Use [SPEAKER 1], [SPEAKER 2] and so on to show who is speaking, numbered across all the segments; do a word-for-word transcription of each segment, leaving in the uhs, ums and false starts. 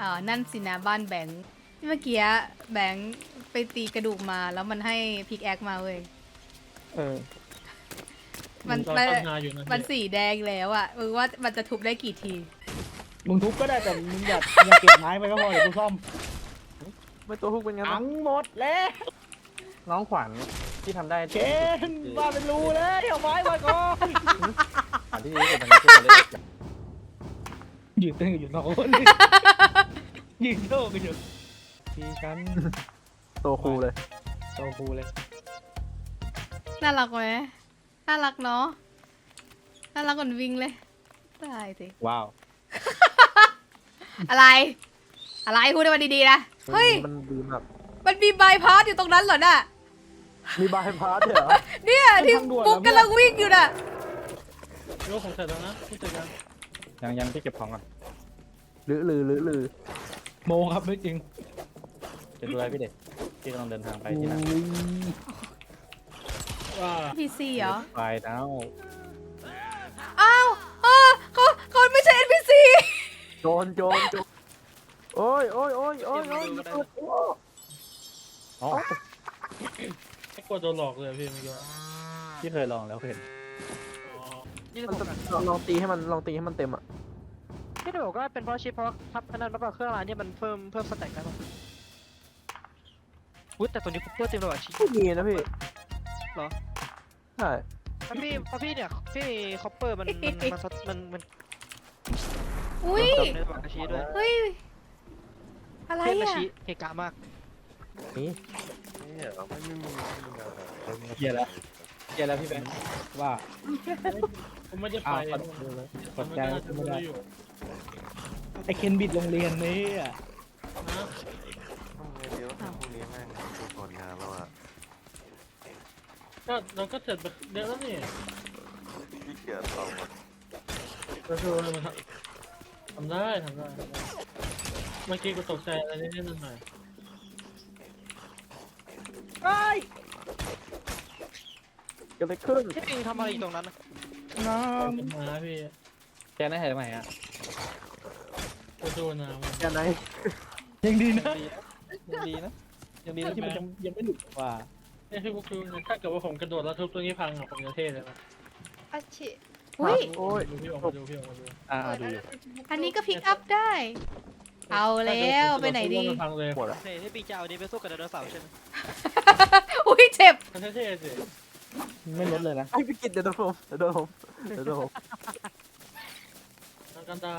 [SPEAKER 1] อ๋อนั่นสินะบ้านแบงค์เมื่อกี้แบงค์ไปตีกระดูกมาแล้วมันให้พิกแอคมาเว้ย
[SPEAKER 2] เออ
[SPEAKER 1] มัน
[SPEAKER 3] ตอน
[SPEAKER 1] มัน
[SPEAKER 3] ตั้งนาอยู่นะ
[SPEAKER 1] มันสีแดงแล้วอ่ะมึงว่ามันจะทุบได้กี่ที
[SPEAKER 2] มึงทุบก็ได้แต่มึงอย่าอย่าเก็บไม้ไปก็พอเดี๋ยวกูซ่อม
[SPEAKER 4] ไม่ตัวฮุกเป็นงั้น
[SPEAKER 2] อังหมดแล้ว
[SPEAKER 4] น้องขวัญที่ทำได้
[SPEAKER 2] เชนว่าเป็นรูเลยเอาไม้มาก่อน
[SPEAKER 4] ขวัญที่ดีที่สุดตอนนี้คือคนเล่น
[SPEAKER 2] ยืนเต้นอยู่สองคนยืนโชว์กันอยู่ทีฉัน
[SPEAKER 4] ตัวครูเลย
[SPEAKER 2] โตครูเลย
[SPEAKER 1] น่ารักไหมน่ารักเนาะน่ารักกว่าวิ่งเลยตายสิ
[SPEAKER 2] ว้าว
[SPEAKER 1] อะไร อะไรพูดให้มันดีๆนะเฮ้ย
[SPEAKER 4] มันดีมาก
[SPEAKER 1] มันมีบายพาสอยู่ตรงนั้นเหรอน่ะ
[SPEAKER 4] มีบายพาสด้วยเหรอ
[SPEAKER 1] เนี่ยที่ปุ๊กกำลังวิ่งอยู่น่ะ
[SPEAKER 3] โยกของเสร็จแล้วนะพูดเสร็จยัง
[SPEAKER 2] ยังยังที่เก็บของก่อน
[SPEAKER 4] หรือหรือหรือหรือ
[SPEAKER 2] โมครับไม่จริง
[SPEAKER 4] จะดูอะไรพี่เด็กที่กำลังเดินทางไปที่ไหน
[SPEAKER 3] ว่า
[SPEAKER 1] พีซีเหรอ
[SPEAKER 4] ไปแล้ว
[SPEAKER 1] อ้าวเออเขาเขาไม่ใช่ เอ็น พี ซี
[SPEAKER 4] โจรโจรโจรโอ้ยโอ้ยโอ้ยโอ้ยโอ้ยอ๋อ
[SPEAKER 3] ไม่กลัวโดนหลอกเลยพี่เมื่อกี้
[SPEAKER 4] ที่เคยลองแล้วเห็น
[SPEAKER 3] อ๋อ
[SPEAKER 5] นี่
[SPEAKER 4] มัน
[SPEAKER 5] ผม
[SPEAKER 4] จะลองตีให้มันลองตีให้มันเต็มอ่ะ
[SPEAKER 5] ที่จะบอกว่าเป็นเพราะชิปเพราะทับอันนั้นแล้วก็เครื่องรางเนี่ยมันเพิ่มเพิ่มสแต็กได้ป่ะอุ้ยแต่ตัวนี้คุปเปอร์เต็มเลยว่ะชิป
[SPEAKER 4] ไม่มีนะพี่
[SPEAKER 5] เหรอ
[SPEAKER 4] ใช่
[SPEAKER 5] เพราะพี่เพราะพี่เนี่ยพี่คอปเปอร์มันมันมันมันมัน
[SPEAKER 1] อุ้ย
[SPEAKER 5] ในระหว่างอาชีด้วย
[SPEAKER 1] เฮ้ยอะไร
[SPEAKER 5] เพื่อนอา
[SPEAKER 1] อ่ะ
[SPEAKER 5] ชีเฮกามาก
[SPEAKER 4] นี่
[SPEAKER 2] เกียร์แล้วเกียร์แล้วพี่แบงค์ว่า
[SPEAKER 3] ผมไม่ได้ไป
[SPEAKER 2] อ้าว
[SPEAKER 3] เลย
[SPEAKER 2] กดใจ
[SPEAKER 3] มันก็น่าจะ
[SPEAKER 2] ไม่ได้
[SPEAKER 3] อยู่
[SPEAKER 2] ไอเคนบิดโรงเรียนนี่อ่ะ
[SPEAKER 3] นะ
[SPEAKER 6] พรุ่งนี้เดี๋ยวพรุ่งนี้แม่งทุกคนงานแล้วอ่ะ
[SPEAKER 3] ก็เราก็เสร็จไปเดี๋ยวแล้วนี่
[SPEAKER 6] ขี้เกียจทำอ่ะ
[SPEAKER 3] ก็คือมันทำได้ทำได้ทำได้เมื่อกี้กูตกใจอะไรนิดๆหน่อย
[SPEAKER 2] ไอ้
[SPEAKER 4] เกิดอะไรขึ้น
[SPEAKER 5] ที่ปิงทำอะไรอยู่ตรงนั้นนะ
[SPEAKER 2] น้
[SPEAKER 3] ๆเป็นมาพี่
[SPEAKER 4] แกน่าเห็นไหมอ่ะ
[SPEAKER 3] กูดูนะมัน
[SPEAKER 4] แกไหน
[SPEAKER 2] ำยังดีนะ
[SPEAKER 4] ยังดีนะยังดีนะ
[SPEAKER 2] ที่มันยังยังไม่หลุดว่า
[SPEAKER 3] เนี่ยพี่กูคือถ้าเกิดว่าผมกระโดดแล้วทุบตัวนี้พังอ่ะผมจะเท่เลยนะ
[SPEAKER 1] อาชิอุ้ย
[SPEAKER 4] โอ้ย
[SPEAKER 3] ดูพี่ออกมาดูพี่ออกมาดู
[SPEAKER 4] อ่าดูอยู่
[SPEAKER 1] อันนี้ก็พิกอัพได้ เอาแล้วไปไหนดี
[SPEAKER 3] พังเลย
[SPEAKER 4] หมดอ่ะ
[SPEAKER 5] เฮ้ยที่ปิงจะเอานี้ไปสู้กับไดโนเสาร์ใช่ไหม
[SPEAKER 1] อุ้ยเจ็บ
[SPEAKER 3] มันเท่ๆสิ
[SPEAKER 2] ไม่ลดเลยนะ
[SPEAKER 4] ไอ้พี่กิตเดี๋ยวโดนผมเดี๋ยวโดนผมเดี๋ยวโดนผม
[SPEAKER 3] ทางการตา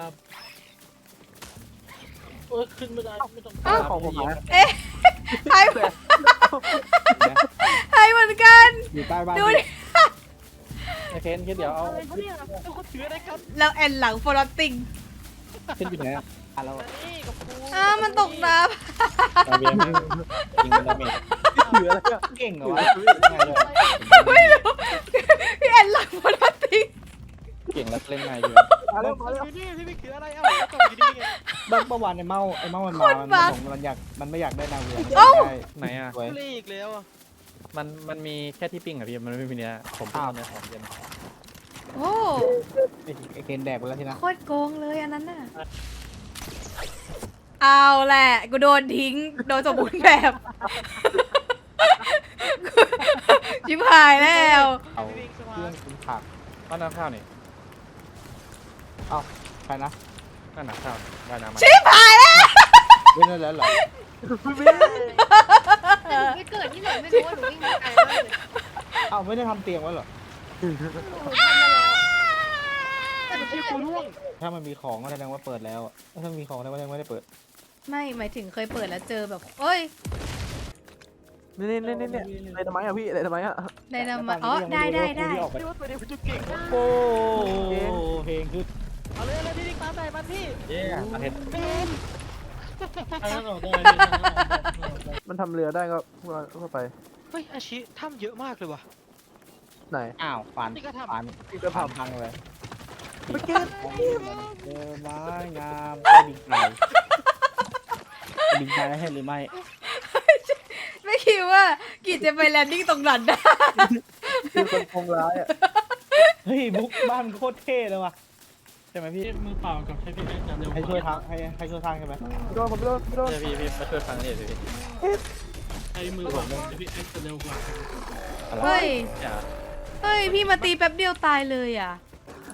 [SPEAKER 3] เออขึ้นไม่ได้ไม่ต้อง
[SPEAKER 4] อ้าวของผมหาย
[SPEAKER 1] เอ๊ะหายหายเหมือนกัน
[SPEAKER 2] อยู่ใต้บ้าน
[SPEAKER 1] ดูดิ
[SPEAKER 4] ไอเคนคิดเดี๋ยวเอา
[SPEAKER 5] อะไรเขาเนี่ยทุกคนถืออะไรกัน
[SPEAKER 1] แล้วแอนหลังฟลอตติง
[SPEAKER 2] ขึ้นไปไหนอ่ะอ่ะเรา
[SPEAKER 5] นี่กับกู
[SPEAKER 1] อ้ามันตกน้
[SPEAKER 4] ดาเมจยิงเป็นดาเมจถืออะไรอ่ะ
[SPEAKER 2] เก่งเหรอวะไงเลย
[SPEAKER 1] ำไม่รู้พี่แอนหลังฟลอตติง
[SPEAKER 4] เก่งแล้วเล่นไงอยู่
[SPEAKER 5] มาแล้วมาแล้วนี่พี่ปิงถืออะไรเอ้าแล้วตกอยู่นี่ไง
[SPEAKER 2] บ้านประวันไอ้เมาไอ้เมามันมามันบอกมันอยากมันไม่อยากได้นางเรือ
[SPEAKER 1] เอ้า
[SPEAKER 4] ไหนอ่ะ
[SPEAKER 2] สวย
[SPEAKER 5] เล่อีกแล้วอ่ะ
[SPEAKER 4] มันมันมีแค่ที่ปิ้งอ่ะพี่มันไม่มีเนื้อผมปิ้งเอาเนื้อของเย็น
[SPEAKER 1] โอ้
[SPEAKER 2] ไอ้ไอ้เคนแดกไปแล้วทีนะ
[SPEAKER 1] โคตรโกงเลยอันนั้นน่ะ เอาแหละ กูโดนทิ้ง โดนสมบูรณ์แบบ ชิบหายแล้ว
[SPEAKER 2] เอา
[SPEAKER 5] พี่ปิงส
[SPEAKER 2] เค
[SPEAKER 5] มา
[SPEAKER 2] รื่อง
[SPEAKER 5] ร์ท
[SPEAKER 2] กินผัก
[SPEAKER 4] ก็น้ำข้าวนี่
[SPEAKER 2] เอาใครนะ
[SPEAKER 4] นั่นน้ำข้าวได้น้ำมา
[SPEAKER 1] ชิบหายแล้ว
[SPEAKER 2] เล่นได้แล้วเหรอ
[SPEAKER 7] ไม่เกิดที่ไหนไม่รู้ว่าหนูวิ่งมาไกลมากเลย
[SPEAKER 2] เอาไม่ได้ทำเตียงไว้เหรอ
[SPEAKER 7] หนูทำมาแล้วแต่หนู
[SPEAKER 5] พี่
[SPEAKER 7] ไม่
[SPEAKER 5] กู
[SPEAKER 7] ได้
[SPEAKER 5] ร่วง
[SPEAKER 2] ถ้ามันมีของก็แสดงว่าเปิดแล้วอะถ้ามันมีของแสดงว่ายังไม่ได้เปิด
[SPEAKER 1] ไม่หมายถึงเคยเปิดแล้วเจอแบบเอ้ย
[SPEAKER 4] นี่นี่นี่นี่อะไรทำไมอ่ะพี่อะไรทำไมอ่ะ
[SPEAKER 1] ได้นำมาอ๋อได้ได้ได้
[SPEAKER 2] ออกไป
[SPEAKER 5] พี่ว่าตัวนี้คุณจะเก่งมาก
[SPEAKER 2] โอ้เพลงคือ
[SPEAKER 5] เอาเลยเลยพี่ปิงตามใจมันพี่
[SPEAKER 4] เย้ประเทศ
[SPEAKER 3] ทางนั้นออกได้พี่ทางนั้นออกได้
[SPEAKER 4] มันทำเรือได้ก็ก็ไป
[SPEAKER 5] เฮ้ยอาชีถ้ำเยอะมากเลยว่ะ
[SPEAKER 4] ไหน
[SPEAKER 2] อ้าวฝัน
[SPEAKER 5] นี่ก็ทำ
[SPEAKER 2] ฝัน
[SPEAKER 4] พี่ก็
[SPEAKER 2] ฝัน
[SPEAKER 4] ทำ
[SPEAKER 2] พังเลย
[SPEAKER 4] เมื่อกี้
[SPEAKER 2] เจอไม้งามได้ดิงไก่ดิงไก่ให้หรือไม่
[SPEAKER 1] ไม่คิดว่ากิจจะไปแลนดิ้งตรงนั้นได้
[SPEAKER 4] คือคนคงร้ายอ่ะ
[SPEAKER 2] เฮ้ยบุ๊กบ้านโคตรเท่เลยว่ะใช่ไหมพี่
[SPEAKER 3] ที่มือเปล่ากับใช้พี่แอ๊กจะเร็วก
[SPEAKER 2] ให้ช่วย
[SPEAKER 3] ว่า
[SPEAKER 2] ทางให้ให้ช่วยทางใช่ไหม
[SPEAKER 4] โดนผมโดนโดน
[SPEAKER 8] ใช่พี่พี่มาช่วยฟังนี่สิพี่
[SPEAKER 3] ใช้มือเปล่าใช้พี่แอ๊กจะเร็วกว่า
[SPEAKER 1] เฮ้ย
[SPEAKER 8] อย่า
[SPEAKER 1] เฮ้ย พี่มาตีแป๊บเดียวตายเลยอ่ะ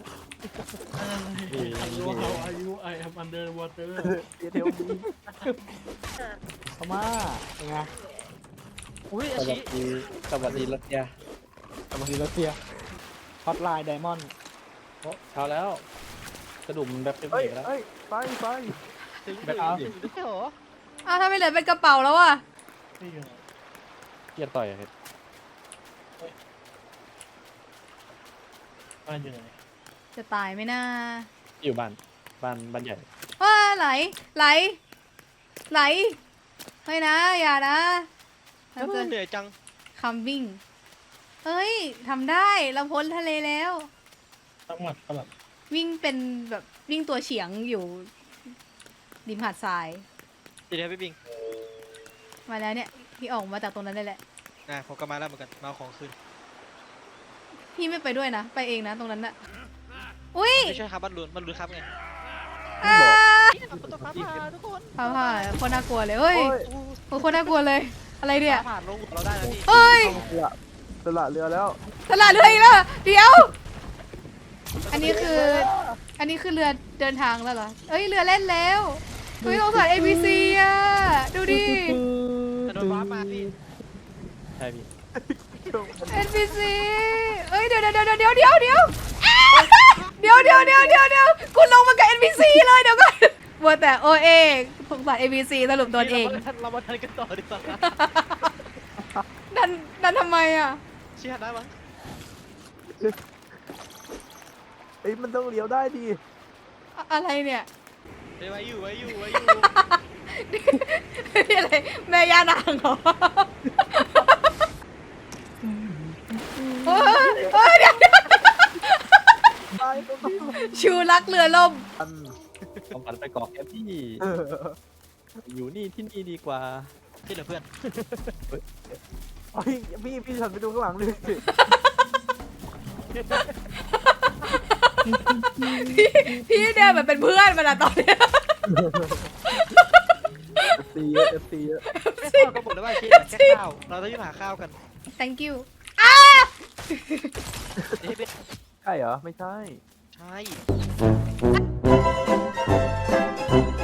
[SPEAKER 3] อายุเขาอายุ I am under water
[SPEAKER 4] เดี๋ยวบี
[SPEAKER 2] เข้ามาเป็นไง
[SPEAKER 5] อุ้ย
[SPEAKER 8] ส
[SPEAKER 5] อา
[SPEAKER 8] วั
[SPEAKER 5] ชิ
[SPEAKER 8] สดีสวัสดีรัตยา
[SPEAKER 2] สวัสดีรัสเซียฮอตไลน์ไดมอนด์
[SPEAKER 8] โอ้เช้าแล้วกระดุมแบบเต็ม
[SPEAKER 4] เฮ้ย
[SPEAKER 8] เหนียวแล้ว
[SPEAKER 4] เฮ้ยไปไป
[SPEAKER 5] ถึง
[SPEAKER 8] แบบ
[SPEAKER 5] ถึงถึงได้เหรอ
[SPEAKER 1] อ้าวถ้าไม่เหลือเป็นกระเป๋าแล้วอ่ะ
[SPEAKER 3] นี่อยู่ไหน
[SPEAKER 8] เกียร์ต่อยอะครับ
[SPEAKER 3] บ้านอยู่ไหน
[SPEAKER 1] จะตายไหมน่า
[SPEAKER 8] อยู่บ้านบ้านบ้านใหญ่
[SPEAKER 1] ว้าไหล ไหล ไหล เฮ้ยนะ อย่านะทำเกิน
[SPEAKER 5] เหนื่อยจัง
[SPEAKER 1] คำวิ่ง เฮ้ยทำได้เราพ้นทะเลแล้ว
[SPEAKER 3] ตั้งหมัดสลับ
[SPEAKER 1] วิ่งเป็นแบบวิ่งตัวเฉียงอยู่ริมหาดทราย
[SPEAKER 5] ดีเลยพี่บิง
[SPEAKER 1] มาแล้วเนี่ย พี่ออกมาจากตรงนั้นได้แหละ
[SPEAKER 5] นะผมก็มาแล้วเหมือนกันมาเอาของคืน
[SPEAKER 1] พี่ไม่ไปด้วยนะ ไปเองนะตรงนั้นน่ะ อุ้ย
[SPEAKER 5] ไม่ใช่ครับบ้านลุนบ้านลุนครับไง
[SPEAKER 1] อ้า
[SPEAKER 5] ประตูฟ้าผ่าทุกคน
[SPEAKER 1] ฟ้าผ่าโคนน่ากลัวเลยเฮ้ย
[SPEAKER 4] โอ้ย
[SPEAKER 1] โอ้โคนน่ากลัวเลย อะไรเนี่ย
[SPEAKER 5] ฟ้าผ่านลงเราได้แล้วพี่
[SPEAKER 1] เฮ้ย
[SPEAKER 4] ต้องเรือสละเรือแล้ว
[SPEAKER 1] ตลาดเรืออีกแล้วเหรอเดี๋ยว อันนี้คือ อันนี้คือเรือเดินทางแล้วเหรอ เอ้ยเรือเล่นแล้วเฮ้ยสงสาร เอ บี ซี อ่ะ ดูดิ
[SPEAKER 5] แต่โดนฟ้ามาพี่
[SPEAKER 8] ใช่พี่
[SPEAKER 1] เอ็น พี ซี เอ้ยเดี๋ยวเดี๋ยวเดี๋ยวเดี๋ยวเดี๋ยวเดี๋ยวอ้าเดี๋ยวเดี๋ยวเดี๋ยวเดี๋ยวเดี๋ยวคุณลงมากับ เอ็น พี ซี เลยเดี๋ยวก่อนบัวแต่โอเองสงสาร เอ บี ซี สรุปโดนเอง
[SPEAKER 5] เรามาทันกันต่อดีกว่า
[SPEAKER 1] ดันดันทำไมอ่ะ
[SPEAKER 5] เชื่อได้มั้ง
[SPEAKER 4] เอ้ยมันต้องเลี้ยวได้ดิ
[SPEAKER 1] อะอะไรเนี่ย
[SPEAKER 5] เดี๋ยวไว้อยู่ไว้อยู่ไว้อยู่
[SPEAKER 1] นี่อะไรแม่ย่านางเหรอเฮ้ยเฮ้ยเดี๋ยวเดี๋ยว
[SPEAKER 4] ตายต้อง
[SPEAKER 1] ชูรักเรือล่ม
[SPEAKER 4] อัน
[SPEAKER 8] ต้องการไปเกาะแค่พี่
[SPEAKER 4] เออ
[SPEAKER 8] อยู่นี่ที่นี่ดีกว่า
[SPEAKER 5] ที่เหลือเพื่อน
[SPEAKER 4] เฮ้ยพี่พี่ฉันไปดูข้างหลังเลย
[SPEAKER 1] พี่พี่เดินเหมือนเป็นเพื่อนมันอะตอนเนี้ย
[SPEAKER 4] เอฟซีเยอะเอฟซีเยอะ
[SPEAKER 5] แค่ข้าวก็หมดแล้วว่าเชี่ยแค่ข้าวเราต้องยุ่งหาข้าวกัน
[SPEAKER 1] thank you
[SPEAKER 5] เดี๋ยวให้เป็น
[SPEAKER 4] ใช่เหรอ ไม่ใช่
[SPEAKER 5] ใช่